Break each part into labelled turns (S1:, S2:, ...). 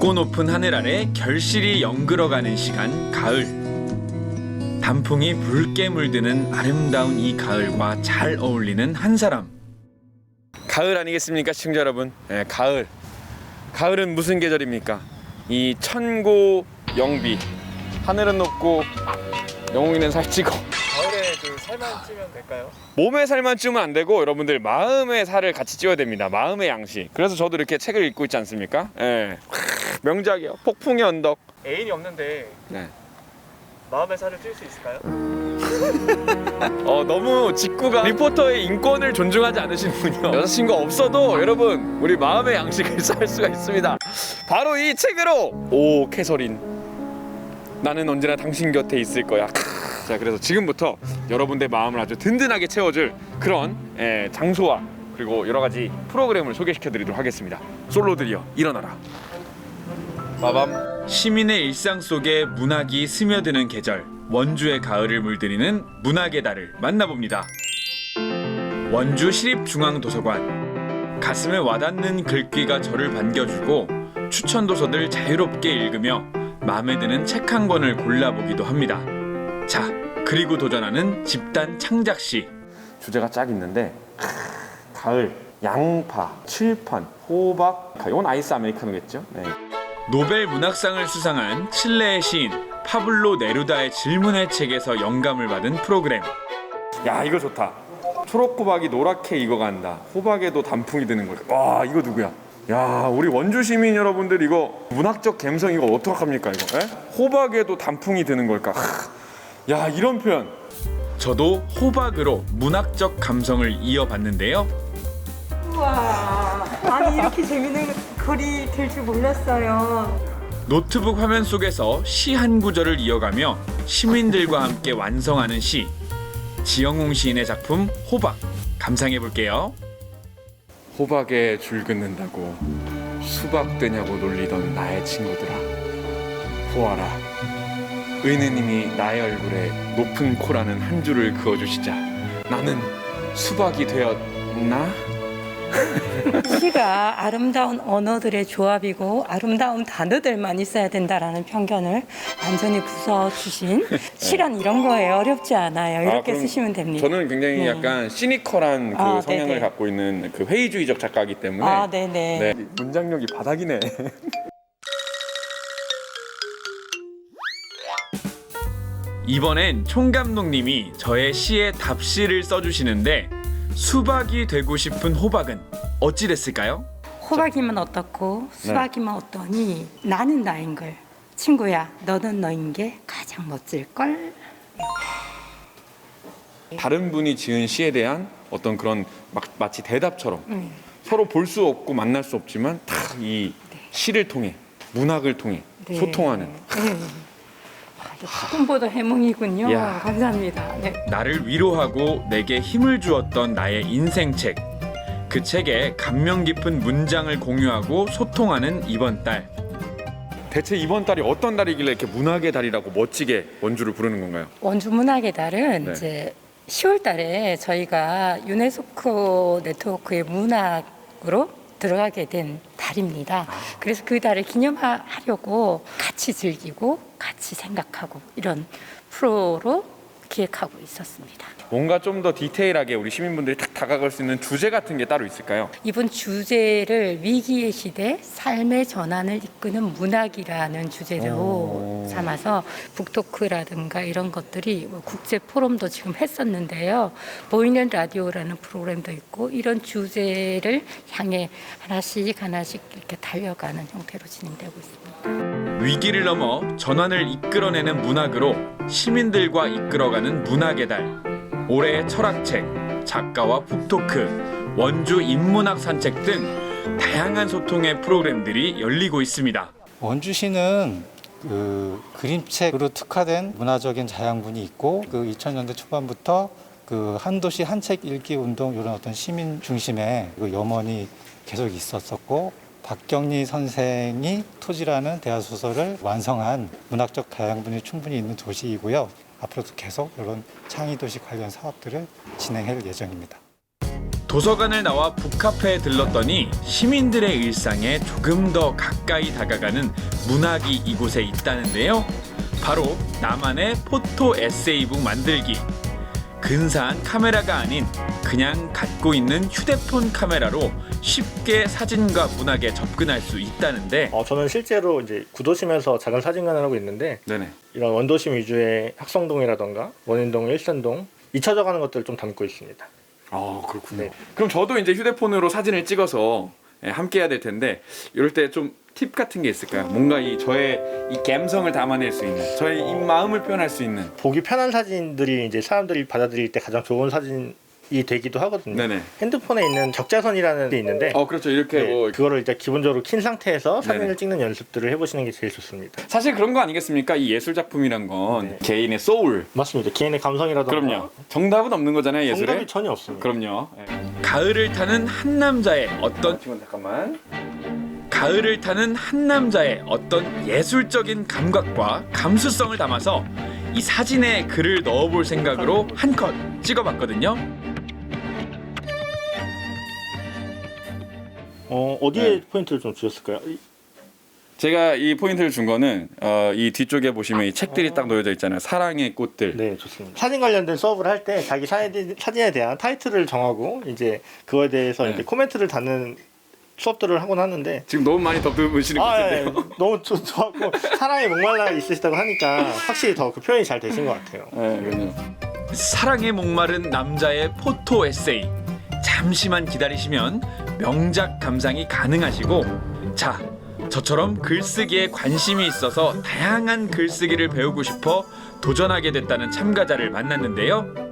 S1: 높고 높은 하늘 아래 결실이 연그러가는 시간 가을. 단풍이 붉게 물드는 아름다운 이 가을과 잘 어울리는 한 사람. 가을 아니겠습니까, 시청자 여러분? 네, 가을. 가을은 무슨 계절입니까? 이 천고 영비. 하늘은 높고 영웅이는 살찌고.
S2: 가을에 그 살만 찌면 될까요?
S1: 몸에 살만 찌면 안 되고 여러분들 마음의 살을 같이 찌워야 됩니다. 마음의 양식. 그래서 저도 이렇게 책을 읽고 있지 않습니까? 예. 명작이요. 폭풍의 언덕.
S2: 애인이 없는데
S1: 네.
S2: 마음의 살을 찔 수 있을까요?
S1: 너무 직구가 리포터의 인권을 존중하지 않으시는군요. 여자친구 없어도 여러분 우리 마음의 양식을 쌓을 수가 있습니다. 바로 이 책으로. 오 캐서린, 나는 언제나 당신 곁에 있을 거야. 자, 그래서 지금부터 여러분들 마음을 아주 든든하게 채워줄 그런 장소와 그리고 여러 가지 프로그램을 소개시켜 드리도록 하겠습니다. 솔로들이여 일어나라. 빠밤. 시민의 일상 속에 문학이 스며드는 계절, 원주의 가을을 물들이는 문학의 달을 만나봅니다. 원주 시립중앙도서관. 가슴에 와닿는 글귀가 저를 반겨주고 추천 도서들 자유롭게 읽으며 마음에 드는 책 한 권을 골라보기도 합니다. 자, 그리고 도전하는 집단 창작시. 주제가 쫙 있는데 가을, 양파, 칠판, 호박. 이건 아이스 아메리카노겠죠? 네. 노벨 문학상을 수상한 칠레의 시인 파블로 네루다의 질문의 책에서 영감을 받은 프로그램. 야, 이거 좋다. 초록 호박이 노랗게 익어간다. 호박에도 단풍이 드는 걸까? 와, 이거 누구야? 야, 우리 원주 시민 여러분들 이거 문학적 감성 이거 어떡합니까 이거? 에? 호박에도 단풍이 드는 걸까? 야, 이런 표현. 저도 호박으로 문학적 감성을 이어봤는데요.
S3: 우와, 아니 이렇게 재밌는 글이 될 줄 몰랐어요.
S1: 노트북 화면 속에서 시 한 구절을 이어가며 시민들과 함께 완성하는 시. 지영웅 시인의 작품 호박. 감상해 볼게요. 호박에 줄 긋는다고 수박 되냐고 놀리던 나의 친구들아, 보아라, 의느님이 나의 얼굴에 높은 코라는 한 줄을 그어주시자 나는 수박이 되었나?
S3: 시가 아름다운 언어들의 조합이고 아름다운 단어들만 있어야 된다라는 편견을 완전히 부숴주신 시란 이런 거에 어렵지 않아요. 이렇게
S1: 그럼
S3: 쓰시면 됩니다.
S1: 저는 굉장히
S3: 네.
S1: 약간 시니컬한 그 성향을
S3: 네네.
S1: 갖고 있는 그 회의주의적 작가이기 때문에
S3: 네네.
S1: 네, 문장력이 바닥이네. 이번엔 총감독님이 저의 시에 답시를 써주시는데 수박이 되고 싶은 호박은 어찌 됐을까요?
S3: 호박이면 어떻고 수박이면 어떠니 나는 나인 걸. 친구야, 너는 너인 게 가장 멋질 걸.
S1: 다른 분이 지은 시에 대한 어떤 그런 마치 대답처럼 서로 볼 수 없고 만날 수 없지만 다 이 시를 통해 문학을 통해
S3: 네.
S1: 소통하는.
S3: 조금보다 해몽이군요.
S1: 야.
S3: 감사합니다. 네.
S1: 나를 위로하고 내게 힘을 주었던 나의 인생책. 그 책에 감명 깊은 문장을 공유하고 소통하는 이번 달. 대체 이번 달이 어떤 달이길래 이렇게 문학의 달이라고 멋지게 원주를 부르는 건가요?
S3: 원주 문학의 달은
S1: 네.
S3: 이제 10월 달에 저희가 유네스코 네트워크의 문학으로 들어가게 된 달입니다. 그래서 그 달을 기념하려고 같이 즐기고 같이 생각하고 이런 프로로 기획하고 있었습니다.
S1: 뭔가 좀 더 디테일하게 우리 시민분들이 딱 다가갈 수 있는 주제 같은 게 따로 있을까요?
S3: 이번 주제를 위기의 시대 삶의 전환을 이끄는 문학이라는 주제로 삼아서 북토크라든가 이런 것들이 뭐 국제 포럼도 지금 했었는데요. 보이는 라디오라는 프로그램도 있고 이런 주제를 향해 하나씩 이렇게 달려가는 형태로 진행되고 있습니다.
S1: 위기를 넘어 전환을 이끌어내는 문학으로 시민들과 이끌어가는 문학의 달. 올해의 철학책, 작가와 북토크, 원주 인문학 산책 등 다양한 소통의 프로그램들이 열리고 있습니다.
S4: 원주시는 그 그림책으로 특화된 문화적인 자양분이 있고 그 2000년대 초반부터 그 한 도시 한 책 읽기 운동 이런 어떤 시민 중심의 그 염원이 계속 있었었고 박경리 선생이 토지라는 대화 소설을 완성한 문학적 다양분이 충분히 있는 도시이고요. 앞으로도 계속 이런 창의도시 관련 사업들을 진행할 예정입니다.
S1: 도서관을 나와 북카페에 들렀더니 시민들의 일상에 조금 더 가까이 다가가는 문학이 이곳에 있다는데요. 바로 나만의 포토 에세이북 만들기. 근사한 카메라가 아닌 그냥 갖고 있는 휴대폰 카메라로 쉽게 사진과 문학에 접근할 수 있다는데.
S5: 저는 실제로 이제 구도심에서 작은 사진관을 하고 있는데
S1: 네네.
S5: 이런 원도심 위주의 학성동이라던가 원인동, 일산동 잊혀져가는 것들을 좀 담고 있습니다.
S1: 그렇군요.
S5: 네.
S1: 그럼 저도 이제 휴대폰으로 사진을 찍어서 함께 해야 될 텐데 이럴 때 좀 팁 같은 게 있을까요? 뭔가 저의 이 감성을 담아낼 수 있는, 저의 이 마음을 표현할 수 있는.
S5: 보기 편한 사진들이 이제 사람들이 받아들일 때 가장 좋은 사진이 되기도 하거든요.
S1: 네네.
S5: 핸드폰에 있는 적자선이라는 게 있는데
S1: 그렇죠. 이렇게
S5: 네,
S1: 뭐
S5: 그거를 일단 기본적으로 킨 상태에서 사진을
S1: 네네.
S5: 찍는 연습들을 해보시는 게 제일 좋습니다.
S1: 사실 그런 거 아니겠습니까? 이 예술 작품이란 건
S5: 네.
S1: 개인의 소울.
S5: 맞습니다. 개인의 감성이라던가
S1: 그럼요. 정답은 없는 거잖아요, 예술에.
S5: 정답이 전혀 없습니다.
S1: 그럼요. 가을을 타는 한 남자의 어떤 가을을 타는 한 남자의 어떤 예술적인 감각과 감수성을 담아서 이 사진에 글을 넣어볼 생각으로 한 컷 찍어봤거든요.
S5: 어디에
S1: 네.
S5: 포인트를 좀 주셨을까요?
S1: 제가 이 포인트를 준 거는 이 뒤쪽에 보시면 이 책들이 딱 놓여져 있잖아요. 사랑의 꽃들.
S5: 네, 좋습니다. 사진 관련된 수업을 할 때 자기 사진에 대한 타이틀을 정하고 이제 그거에 대해서
S1: 네.
S5: 이제 코멘트를 다는 수업들을 하곤 하는데
S1: 지금 너무 많이 덕두무시는 것 같은데요.
S5: 너무 좋았고 사랑에 목말라 있으시다고 하니까 확실히 더 그 표현이 잘 되신 것 같아요.
S1: 네, 사랑에 목마른 남자의 포토 에세이. 잠시만 기다리시면 명작 감상이 가능하시고, 자, 저처럼 글쓰기에 관심이 있어서 다양한 글쓰기를 배우고 싶어 도전하게 됐다는 참가자를 만났는데요.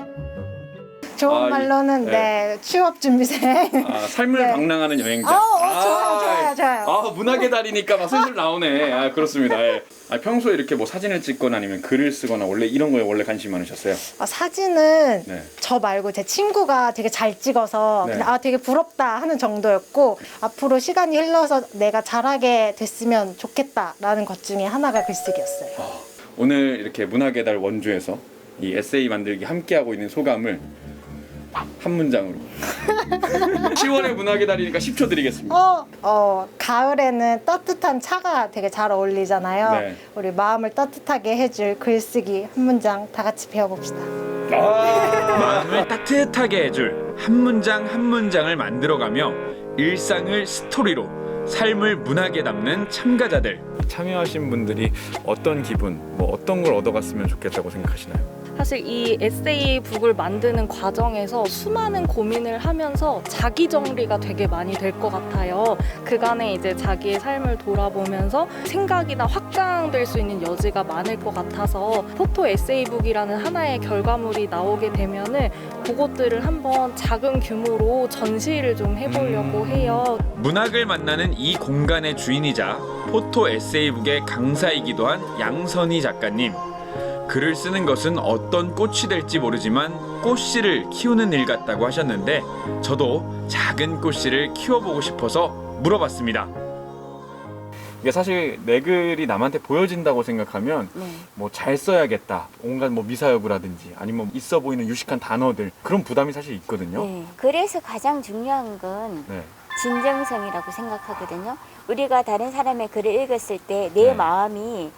S6: 좋은 말로는
S1: 네.
S6: 취업 준비생.
S1: 삶을
S6: 네.
S1: 방랑하는 여행자.
S6: 좋아요.
S1: 문학의 달이니까 막 슬슬 나오네. 그렇습니다. 예. 평소에 이렇게 뭐 사진을 찍거나 아니면 글을 쓰거나 원래 이런 거에 원래 관심이 많으셨어요?
S6: 사진은
S1: 네.
S6: 저 말고 제 친구가 되게 잘 찍어서
S1: 네.
S6: 그냥 되게 부럽다 하는 정도였고, 앞으로 시간이 흘러서 내가 잘하게 됐으면 좋겠다라는 것 중에 하나가 글쓰기였어요.
S1: 오늘 이렇게 문학의 달 원주에서 이 에세이 만들기 함께하고 있는 소감을 한 문장으로. 10월의 문학의 달이니까 10초 드리겠습니다.
S6: 가을에는 따뜻한 차가 되게 잘 어울리잖아요.
S1: 네.
S6: 우리 마음을 따뜻하게 해줄 글쓰기 한 문장 다 같이 배워봅시다.
S1: 마음을 따뜻하게 해줄 한 문장 한 문장을 만들어가며 일상을 스토리로, 삶을 문학에 담는 참가자들. 참여하신 분들이 어떤 기분, 어떤 걸 얻어갔으면 좋겠다고 생각하시나요?
S7: 사실 이 에세이북을 만드는 과정에서 수많은 고민을 하면서 자기 정리가 되게 많이 될 것 같아요. 그간에 이제 자기의 삶을 돌아보면서 생각이나 확장될 수 있는 여지가 많을 것 같아서 포토 에세이북이라는 하나의 결과물이 나오게 되면은 그것들을 한번 작은 규모로 전시를 좀 해보려고 해요.
S1: 문학을 만나는 이 공간의 주인이자 포토 에세이북의 강사이기도 한 양선희 작가님. 글을 쓰는 것은 어떤 꽃이 될지 모르지만 꽃씨를 키우는 일 같다고 하셨는데, 저도 작은 꽃씨를 키워보고 싶어서 물어봤습니다. 이게 사실 내 글이 남한테 보여진다고 생각하면 잘 써야겠다, 온갖 미사여구라든지 아니면 있어 보이는 유식한 단어들, 그런 부담이 사실 있거든요.
S8: 네. 그래서 가장 중요한 건
S1: 네.
S8: 진정성이라고 생각하거든요. 우리가 다른 사람의 글을 읽었을 때 내
S1: 네.
S8: 마음이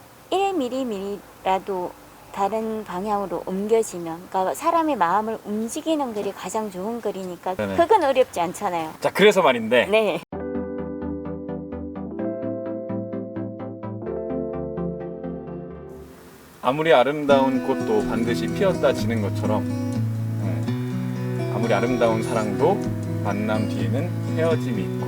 S8: 1mm라도 다른 방향으로 옮겨지면, 그러니까 사람의 마음을 움직이는 글이 가장 좋은 글이니까
S1: 네네.
S8: 그건 어렵지 않잖아요.
S1: 자, 그래서 말인데
S8: 네.
S1: 아무리 아름다운 꽃도 반드시 피었다 지는 것처럼, 아무리 아름다운 사랑도 만남 뒤에는 헤어짐이 있고,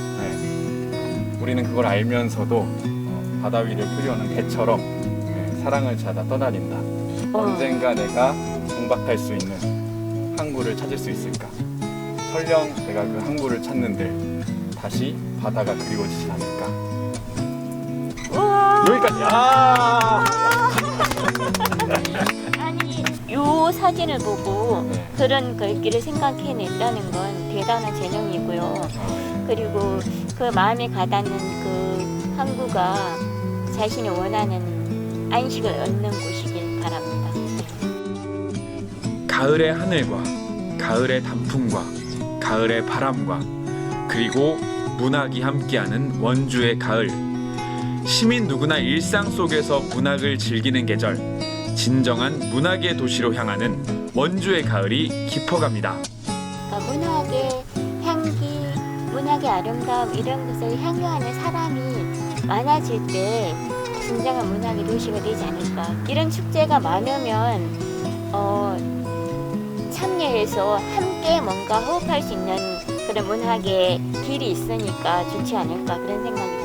S1: 우리는 그걸 알면서도 바다 위를 흐려오는 배처럼 사랑을 찾아 떠다닌다. 언젠가 내가 정박할 수 있는 항구를 찾을 수 있을까? 설령 내가 그 항구를 찾는데 다시 바다가 그리워지지 않을까?
S8: 우와.
S1: 여기까지.
S8: 아니, 요 사진을 보고
S1: 네.
S8: 그런 글귀를 생각해냈다는 건 대단한 재능이고요. 그리고 그 마음에 가닿는 그 항구가 자신이 원하는 안식을 얻는 곳이길 바랍니다.
S1: 가을의 하늘과 가을의 단풍과 가을의 바람과 그리고 문학이 함께하는 원주의 가을. 시민 누구나 일상 속에서 문학을 즐기는 계절, 진정한 문학의 도시로 향하는 원주의 가을이 깊어갑니다.
S8: 그러니까 문학의 향기, 문학의 아름다움 이런 것을 향유하는 사람이 많아질 때 진정한 문학의 도시가 되지 않을까. 이런 축제가 많으면 참여해서 함께 뭔가 호흡할 수 있는 그런 문학의 길이 있으니까 좋지 않을까 그런 생각이